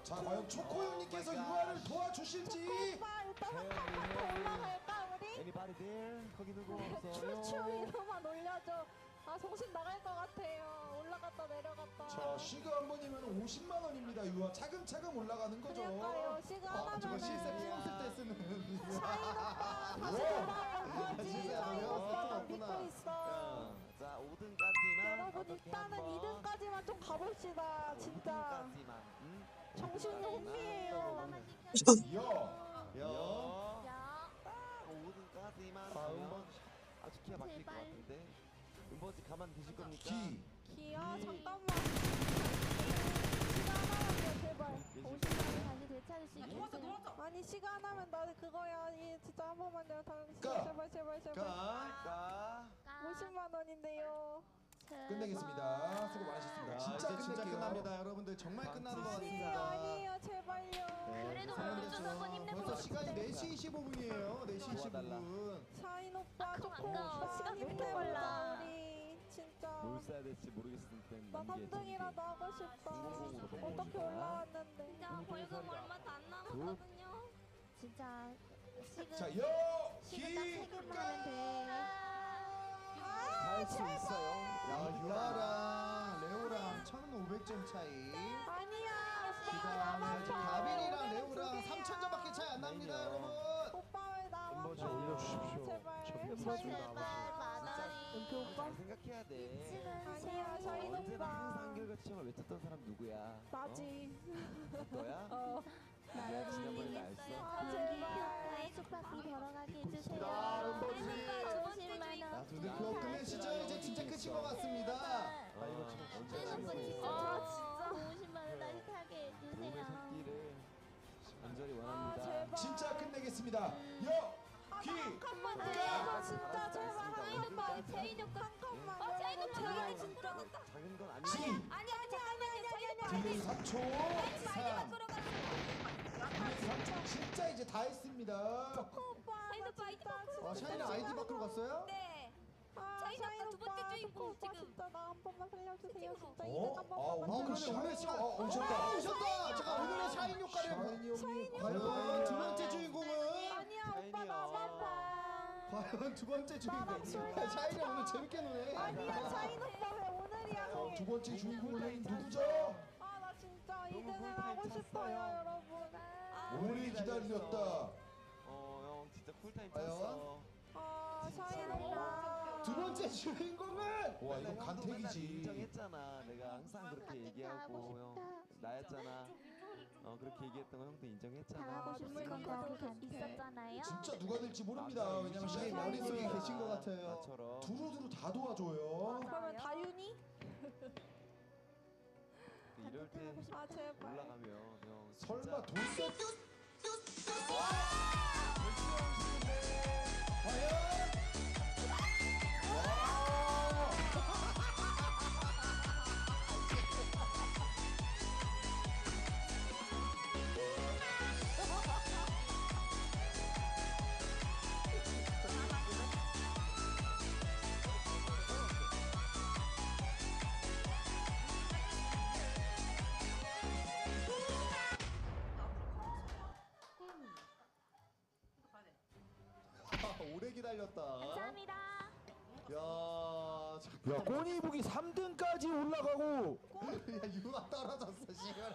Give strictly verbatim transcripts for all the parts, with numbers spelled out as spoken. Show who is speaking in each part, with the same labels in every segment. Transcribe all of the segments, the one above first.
Speaker 1: 자 과연 초코용님께서 유아를 도와주실지.
Speaker 2: 오빠 일단 한 칸만 더 올라갈까 우리?
Speaker 3: Anybody there? 거기 누구 없어요?
Speaker 2: 추추 이름만 올려줘. 아 정신 나갈 것 같아요. 올라갔다 내려갔다.
Speaker 1: 자 시그 한 번이면 오십만 원입니다. 유아 차근차근 올라가는 거죠.
Speaker 2: 그러니까요. 시그
Speaker 1: 아, 저거
Speaker 2: 하나면은
Speaker 1: 실세 찍었을 때 쓰는.
Speaker 2: 샤인 오빠 다시 돌아올 거지.
Speaker 1: 진짜
Speaker 2: 샤인
Speaker 1: 그래요?
Speaker 2: 오빠 나
Speaker 1: 그렇구나.
Speaker 2: 믿고 있어.
Speaker 3: 자, 오 등까지만.
Speaker 2: 여러분 일단은 이 등까지만 좀 가봅시다. 진짜.
Speaker 3: 등까지만. 응?
Speaker 2: 정신이 혼미해요.
Speaker 1: 야.
Speaker 3: 야.
Speaker 4: 야,
Speaker 3: 오 등까지만
Speaker 1: 아,
Speaker 3: 하면
Speaker 1: 음번.
Speaker 3: 아주 기가 막힐 것
Speaker 4: 제발.
Speaker 3: 같은데. 음번지 가만 두실 겁니까?
Speaker 1: 기.
Speaker 2: 기야
Speaker 3: 기.
Speaker 2: 잠깐만. 시간 하나만 제발.
Speaker 4: 오십 만원 다시 되찾을 수 있겠어요.
Speaker 2: 아니 시간 하면 나 그거야. 이 진짜 한 번만요. 다
Speaker 1: 까.
Speaker 2: 제발 제발 제발.
Speaker 1: 가.
Speaker 3: 가.
Speaker 2: 오십만 원인데요.
Speaker 1: 끝내겠습니다. 수고 많으셨습니다.
Speaker 5: 야,
Speaker 1: 진짜
Speaker 5: 이제 진짜
Speaker 1: 끝낼게요.
Speaker 5: 끝납니다. 여러분들 정말 끝나는 것
Speaker 2: 아니에요
Speaker 5: 같습니다.
Speaker 2: 아니에요 제발요.
Speaker 4: 그래도
Speaker 5: 사람들
Speaker 4: 먼저
Speaker 5: 좀
Speaker 4: 한번 힘내보고
Speaker 5: 벌써 시간이
Speaker 4: 싶은데.
Speaker 5: 네 시 이십오 분이에요. 네 시 이십오
Speaker 3: 도와달라.
Speaker 5: 분.
Speaker 2: 샤인 오빠
Speaker 4: 아까워,
Speaker 2: 초코
Speaker 4: 아까워.
Speaker 2: 오빠
Speaker 4: 시간 왜 이렇게
Speaker 2: 힘내보자
Speaker 4: 빨라.
Speaker 2: 우리 진짜.
Speaker 3: 뭘 써야 될지 모르겠을 땐
Speaker 2: 나 삼 등이라도 하고 싶다. 어떻게 올라왔는데.
Speaker 4: 진짜 벌금 얼마 다 안 남았거든요. 진짜 지금
Speaker 1: 자 여.
Speaker 4: 지금 딱 세
Speaker 1: 기.
Speaker 4: 개만 하면 돼.
Speaker 3: 할 수 있어요.
Speaker 5: 야, 유아랑 레오랑 천오백 점 차이.
Speaker 2: 아니야 오빠
Speaker 5: 그다음에
Speaker 2: 나만
Speaker 5: 지금
Speaker 2: 봐.
Speaker 5: 가빈이랑
Speaker 2: 두
Speaker 5: 레오랑
Speaker 2: 개야.
Speaker 5: 삼천 점밖에 차이 안 납니다,
Speaker 3: 아니요.
Speaker 5: 여러분.
Speaker 2: 오빠 왜 나만
Speaker 3: 음보
Speaker 2: 봐.
Speaker 3: 좀 올려주십시오.
Speaker 2: 제발.
Speaker 4: 제발 만 원이.
Speaker 2: 은표 오빠.
Speaker 3: 잘 생각해야 돼.
Speaker 2: 아니야 샤인
Speaker 3: 언제나 항상
Speaker 2: 오빠.
Speaker 3: 한결같이 형을 외쳤던 사람 누구야?
Speaker 2: 나지.
Speaker 3: 어? 너야?
Speaker 2: 어.
Speaker 3: 내가 지난번에 알았어.
Speaker 2: 아 제발.
Speaker 4: 나의 숙박비 벌어가게 해주세요.
Speaker 5: 야, 은보지.
Speaker 4: 오십만
Speaker 5: 자,
Speaker 4: 원.
Speaker 5: 두 등 그거 끝내시죠. 이제 진짜 끝인 것 같습니다.
Speaker 3: 아 이거 지금 언제
Speaker 4: 은보
Speaker 3: 알고
Speaker 4: 진짜
Speaker 3: 있어?
Speaker 4: 아 진짜 오십만 원 다시 타게
Speaker 3: 몸의
Speaker 4: 해주세요.
Speaker 3: 새끼를 간절히
Speaker 2: 아
Speaker 3: 원합니다.
Speaker 2: 제발.
Speaker 1: 진짜 끝내겠습니다. 여. 기.
Speaker 2: 한 칸만 더
Speaker 1: 까.
Speaker 2: 진짜 제발 한 칸만.
Speaker 4: 제인 오빠.
Speaker 2: 한 칸만.
Speaker 4: 어, 제인 오빠
Speaker 2: 제발
Speaker 4: 많이
Speaker 2: 진짜.
Speaker 3: 작은 건
Speaker 1: 지.
Speaker 3: 아니지.
Speaker 4: 아니 아니 아니 아니 아니
Speaker 1: 디 삼 초. 삼.
Speaker 4: 들어갔어.
Speaker 1: 디 삼 초. 진짜 이제 다 했습니다.
Speaker 2: 오빠
Speaker 4: 샤인
Speaker 2: 나
Speaker 4: 오빠 아이디
Speaker 2: 진짜
Speaker 4: 바꾸고
Speaker 5: 아, 샤이는 아이디 밖으로 갔어요?
Speaker 4: 네.
Speaker 2: 아,
Speaker 4: 샤인
Speaker 2: 샤인
Speaker 4: 오빠 두 번째
Speaker 2: 오빠,
Speaker 4: 주인공
Speaker 2: 초코 오빠
Speaker 4: 지금.
Speaker 2: 진짜 나 한 번만 살려주세요. 진짜
Speaker 1: 어?
Speaker 2: 이등 한
Speaker 1: 아,
Speaker 2: 번만
Speaker 1: 오늘
Speaker 5: 어,
Speaker 2: 만들어주세요.
Speaker 5: 그러면 오늘
Speaker 1: 샤이니
Speaker 5: 샤...
Speaker 1: 어, 오셨다.
Speaker 5: 어, 오셨다. 제가 오늘의 샤인 효과를
Speaker 1: 샤이니 형님
Speaker 5: 과연 두 번째 주인공은
Speaker 2: 아니야 오빠 나만 봐.
Speaker 5: 과연 두 번째 주인공.
Speaker 2: 나랑 술 마셔.
Speaker 5: 샤이니 오늘 재밌게 노네.
Speaker 2: 아니야 샤인 오빠 왜 오늘이야?
Speaker 1: 어, 두 번째 주인공은 누구죠?
Speaker 2: 아 나 진짜 이 등을 하고 싶어요 여러분.
Speaker 1: 오래 기다렸다.
Speaker 3: 어형 진짜 쿨타임
Speaker 5: 과연?
Speaker 3: 탔어.
Speaker 2: 아 샤인 오빠.
Speaker 5: 두 번째 주인공은
Speaker 1: 와 이거
Speaker 3: 형도 맨날
Speaker 1: 간택이지.
Speaker 3: 인정했잖아. 내가 항상 그렇게 얘기하고 형 나였잖아. 어 그렇게 얘기했던 거 형도 인정했잖아.
Speaker 4: 당하고 싶은 것도 있었잖아요.
Speaker 1: 진짜 누가 될지 모릅니다. 왜냐면
Speaker 5: 샤이
Speaker 1: 샤이
Speaker 5: 머릿속에
Speaker 1: 머릿속에
Speaker 5: 계신 것 같아요.
Speaker 3: 나처럼.
Speaker 1: 두루두루 다 도와줘요.
Speaker 2: 그러면 다윤이?
Speaker 3: 이럴 때
Speaker 2: 아 제발.
Speaker 3: 올라가면 형
Speaker 1: 설마 돌쇠?
Speaker 5: 과연? 아, 오래 기다렸다.
Speaker 4: 감사합니다.
Speaker 5: 야, 잠깐.
Speaker 6: 야 꼬니북이 삼 등까지 올라가고
Speaker 5: 야, 유아 떨어졌어, 지금.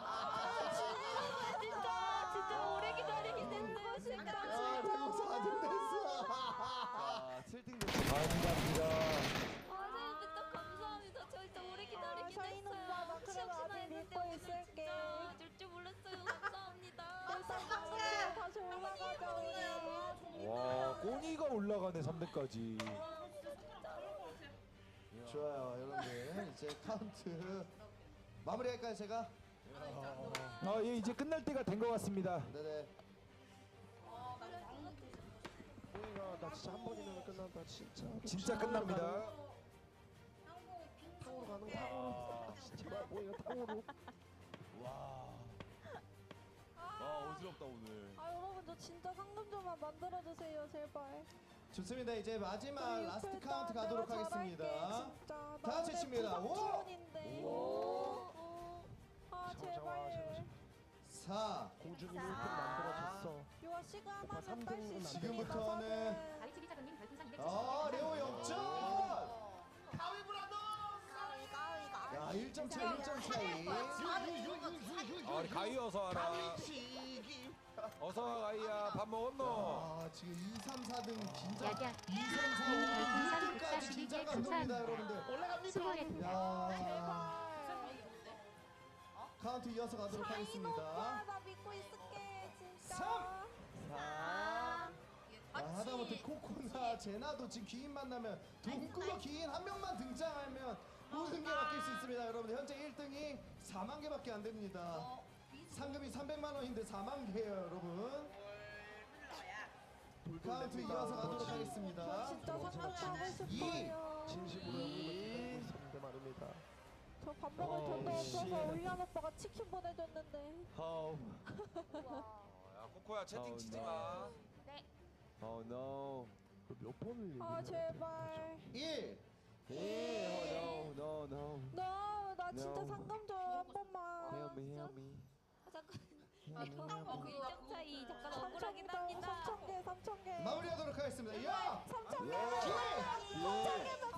Speaker 4: 진짜 진짜 오래 기다리게 됐네요.
Speaker 5: 야,
Speaker 4: 진짜.
Speaker 5: 대국 사 등 됐어.
Speaker 3: 아 칠 등 됐어.
Speaker 6: 감사합니다.
Speaker 4: 아 진짜 감사합니다. 저 진짜 오래
Speaker 2: 아,
Speaker 4: 기다리게
Speaker 2: 샤인
Speaker 4: 됐어요.
Speaker 2: 오빠 나 그래도
Speaker 4: 시험시나
Speaker 2: 아직
Speaker 4: 했는데
Speaker 2: 믿고
Speaker 4: 오늘
Speaker 2: 있을게.
Speaker 4: 진짜 줄줄 몰랐어요. 감사합니다.
Speaker 2: 일단 다시 올라가자 우리.
Speaker 6: 와 꼬니가 올라가네 삼 등까지.
Speaker 5: 좋아요, 여러분들. 이제 카운트 마무리할까요, 제가?
Speaker 6: 아예 이제 끝날 때가 된 것 같습니다.
Speaker 5: 네네.
Speaker 6: 꼬니가 나 진짜 한 번이면 끝난다 진짜. 진짜 끝납니다. 탕으로 가는 탕으로. 진짜 꼬니가 탕으로.
Speaker 3: 와. 와 어지럽다 오늘.
Speaker 2: 아 여러분 저 진짜 상금 좀만 만들어 주세요 제발.
Speaker 5: 좋습니다. 이제 마지막
Speaker 2: 우리
Speaker 5: 라스트
Speaker 2: 일단
Speaker 5: 카운트
Speaker 2: 내가
Speaker 5: 가도록
Speaker 2: 잘할게,
Speaker 5: 하겠습니다.
Speaker 2: 진짜. 나
Speaker 5: 다 같이
Speaker 2: 오늘
Speaker 5: 칩니다. 오!
Speaker 2: 부상치원인데.
Speaker 4: 오.
Speaker 2: 아
Speaker 6: 잠깐만,
Speaker 2: 제발.
Speaker 6: 잠깐만. 김영준이 일 등 만들어줬어.
Speaker 2: 유아 시간
Speaker 6: 오빠
Speaker 2: 하면
Speaker 6: 삼
Speaker 2: 딸수
Speaker 6: 등은
Speaker 2: 있습니다.
Speaker 1: 지금부터는
Speaker 7: 가위치기 작가님 별풍선 이백칠십
Speaker 1: 아 레오 역전.
Speaker 4: 가위 가위
Speaker 1: 야 일 점 차 일 점 차이.
Speaker 8: 아, 우리 가위 어서 와라. 어서 와 가위야. 밥 먹었노?
Speaker 1: 아 지금 이, 삼, 사 등 긴장.
Speaker 7: 야야.
Speaker 1: 이, 삼, 사, 오 등 일 등까지 긴장감 돕니다 여러분들.
Speaker 7: 수고했습니다.
Speaker 1: 야 카운트 이어서 가도록 하겠습니다.
Speaker 2: 오빠 나 믿고 있을게 진짜.
Speaker 1: 삼.
Speaker 4: 아
Speaker 1: 아, 하다못해 코코나 제나도 지금 귀인 만나면 동구가 귀인 한 명만 등장하면 모든 게 바뀔 수 있습니다 여러분들. 현재 일 등이 사만 개밖에 안 됩니다. 상금이 삼백만 원인데 사만 개예요 여러분. 카운트 이어서 가도록 하겠습니다.
Speaker 2: 진짜 상관하고
Speaker 1: 이.
Speaker 2: 싶어요.
Speaker 6: 진심으로 형님을 있었는데 말입니다.
Speaker 2: 저 밥 먹을 돈도 없어서 올리안 오빠가 치킨 보내줬는데.
Speaker 3: Oh,
Speaker 8: 야, 코코야 채팅
Speaker 3: Oh,
Speaker 8: 치지
Speaker 3: no.
Speaker 8: 마.
Speaker 3: oh no.
Speaker 6: 몇 번을 얘기해?
Speaker 2: 아 제발.
Speaker 1: 일.
Speaker 3: Yeah, oh no, no, no.
Speaker 2: 너, 나 진짜
Speaker 3: No.
Speaker 2: 상금 줘한 번만.
Speaker 3: Help me, help me.
Speaker 4: 잠깐
Speaker 3: Help me, help me.
Speaker 4: 일점 차이 잠깐
Speaker 2: 삼천
Speaker 4: 억울하긴
Speaker 2: 개,
Speaker 4: 합니다.
Speaker 2: 삼천 개, 삼천 개.
Speaker 1: 마무리하도록 하겠습니다. 야!
Speaker 2: 삼천 개.
Speaker 3: Yeah.
Speaker 2: 삼천 개면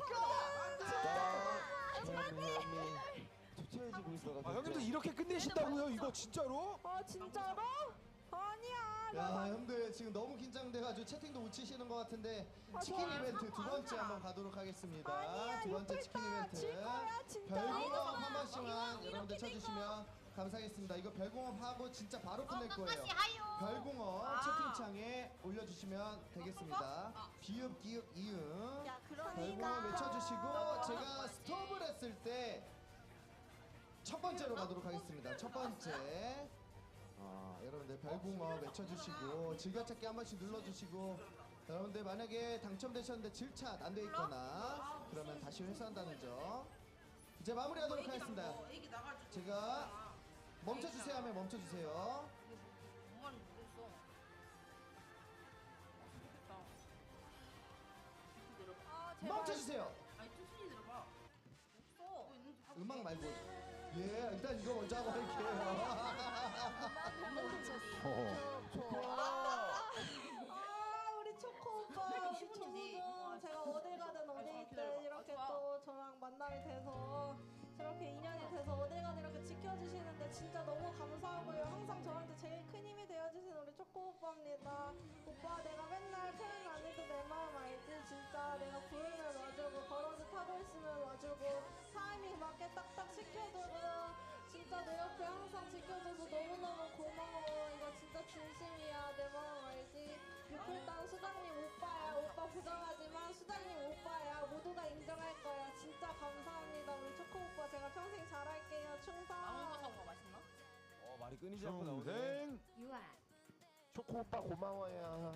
Speaker 3: Stop. Help me, help me. 초췌해지고 있어가지고.
Speaker 8: 아, 형님들 이렇게 끝내신다고요? 이거 진짜로?
Speaker 2: 아 진짜로? 아니야. 나
Speaker 1: 야, 형들 지금 너무 긴장돼가지고 채팅도 못 치시는 것 같은데
Speaker 2: 아,
Speaker 1: 치킨
Speaker 2: 좋아.
Speaker 1: 이벤트 두 번째 한번 가도록 하겠습니다.
Speaker 2: 아니야,
Speaker 1: 두 번째
Speaker 2: 이거
Speaker 1: 치킨
Speaker 2: 있다.
Speaker 1: 이벤트.
Speaker 2: 질 거야, 진짜.
Speaker 1: 별공업 한 번씩만 여러분들 쳐주시면 감사하겠습니다. 이거 별공업 하고 진짜 바로 끝낼 거예요. 별공업 채팅창에 올려주시면 되겠습니다. 비읍, 기읍, 이응.
Speaker 4: 야
Speaker 1: 별공업
Speaker 4: 그러니까
Speaker 1: 외쳐주시고 제가 스톱을 했을 때 첫 번째로 가도록 하겠습니다. 첫 번째. 아, 여러분들 별공업 외쳐주시고 즐겨찾기 한 번씩 눌러주시고 여러분들 만약에 당첨되셨는데 질차 안 돼 있거나 그러면 다시 회수한다는 점. 이제 마무리하도록 하겠습니다. 제가 멈춰주세요 하면 멈춰주세요. 멈춰주세요. 음악 말고. 예, 일단 이거 먼저 하고 할게요.
Speaker 2: 아 우리 초코 오빠 우리 초코도 제가 어딜 가든 어디 있든 이렇게 또 저랑 만남이 돼서 저렇게 인연이 돼서 어딜 가든 이렇게 지켜주시는데 진짜 너무 감사하고요. 항상 저한테 제일 큰 힘이 되어주신 우리 초코 오빠입니다. 오빠 내가 맨날 팬은 아니도 내 마음 알지. 진짜 내가 부르면 와주고 걸어서 타고 있으면 와주고 타이밍 맞게 딱딱 시켜주고 진짜 내 옆에 항상 지켜줘서 너무너무 고마워. 이거 진짜 진심이야. 내 마음 알지? 유풀단 수장님 오빠야. 오빠 부정하지만 수장님 오빠야. 모두가 인정할 거야. 진짜 감사합니다. 우리 초코 오빠 제가 평생 잘할게요. 충성.
Speaker 8: 어, 말이 끊이지 않고 나오네.
Speaker 7: 유아.
Speaker 6: 초코 오빠 고마워요.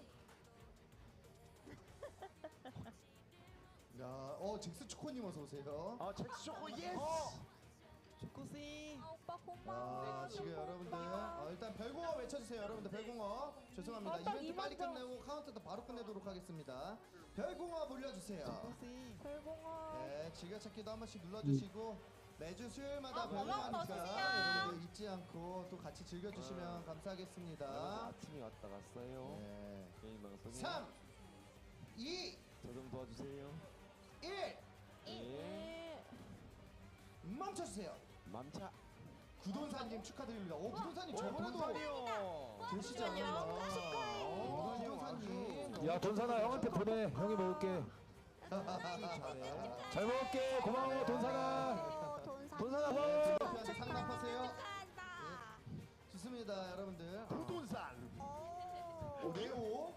Speaker 1: 야, 어 잭스 초코님 어서 오세요.
Speaker 6: 아 잭스 초코 예스.
Speaker 3: 초코씨.
Speaker 2: 아, 오빠 고마워.
Speaker 1: 아, 지금 여러분들 어, 일단 별공업 외쳐주세요. 여러분들 별공업 죄송합니다.
Speaker 2: 어, 딱
Speaker 1: 이벤트 빨리
Speaker 2: 이만 점.
Speaker 1: 끝내고 카운트도 바로 끝내도록 하겠습니다. 별공업 올려주세요.
Speaker 3: 초코씨.
Speaker 2: 별공원.
Speaker 1: 네, 즐겨찾기도 한 번씩 눌러주시고 매주 수요일마다
Speaker 4: 아, 고마워,
Speaker 1: 별공하니까
Speaker 4: 넣어주세요.
Speaker 1: 여러분들 잊지 않고 또 같이 즐겨주시면
Speaker 3: 여러분
Speaker 1: 감사하겠습니다.
Speaker 3: 아침에 왔다 갔어요.
Speaker 1: 네.
Speaker 3: 개인 방송에.
Speaker 1: 삼, 이,
Speaker 3: 저좀 도와주세요.
Speaker 1: 일
Speaker 3: 예.
Speaker 1: 멈춰주세요.
Speaker 3: 맘차.
Speaker 1: 구돈사님 축하드립니다. 오, 구돈사님 저번에도
Speaker 3: 돈산이요.
Speaker 1: 계시지 않았나? 오, 구돈사님.
Speaker 8: 야, 돈사나 형한테 보내. 형이 먹을게.
Speaker 1: 잘해.
Speaker 8: 잘 먹을게. 고마워, 돈사나. 돈사나 뭐?
Speaker 1: 대표한테 상납하세요.
Speaker 4: 축하한다.
Speaker 1: 좋습니다, 여러분들.
Speaker 6: 부동산.
Speaker 1: 오, 레오.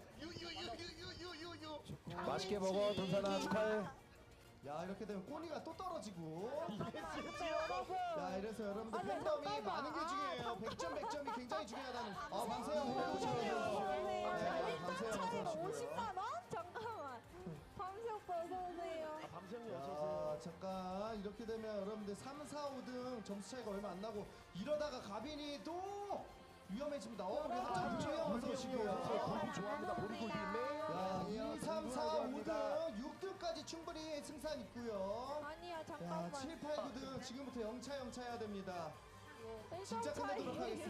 Speaker 8: 맛있게 먹어, 돈사나. 축하해.
Speaker 1: 야, 이렇게 되면 꼬니가 또 떨어지고.
Speaker 2: 여러분.
Speaker 1: 자, 이래서 여러분들
Speaker 2: 아니,
Speaker 1: 팬덤이
Speaker 2: 잠깐만.
Speaker 1: 많은 게 중요해요. 백 점, 백 점이 굉장히 중요하다는. 아, 방세영 오셔요. 네, 방세영 어서
Speaker 2: 차이로
Speaker 1: 오시고요.
Speaker 2: 오십만 원? 잠깐만. 밤새 오빠 어서 오세요.
Speaker 6: 아 밤샘이 어서
Speaker 1: 야,
Speaker 6: 오세요.
Speaker 1: 잠깐 이렇게 되면 여러분들 삼, 사, 오 등 점수 차이가 얼마 안 나고 이러다가 가빈이 또 위험해집니다. 어, 그래서 장주영 어서 오시고요.
Speaker 6: 골프 좋아합니다. 보리골비
Speaker 1: 야,
Speaker 6: 매일.
Speaker 1: 이, 삼, 사, 오 등, 육 등까지 충분히 승산 있고요.
Speaker 2: 아니야
Speaker 1: 야,
Speaker 2: 잠깐만.
Speaker 1: 칠, 팔, 구 등 지금부터 영차 영차 해야 됩니다.
Speaker 2: 일 점
Speaker 1: 진짜
Speaker 2: 차이.
Speaker 1: 끝내도록 하겠습니다.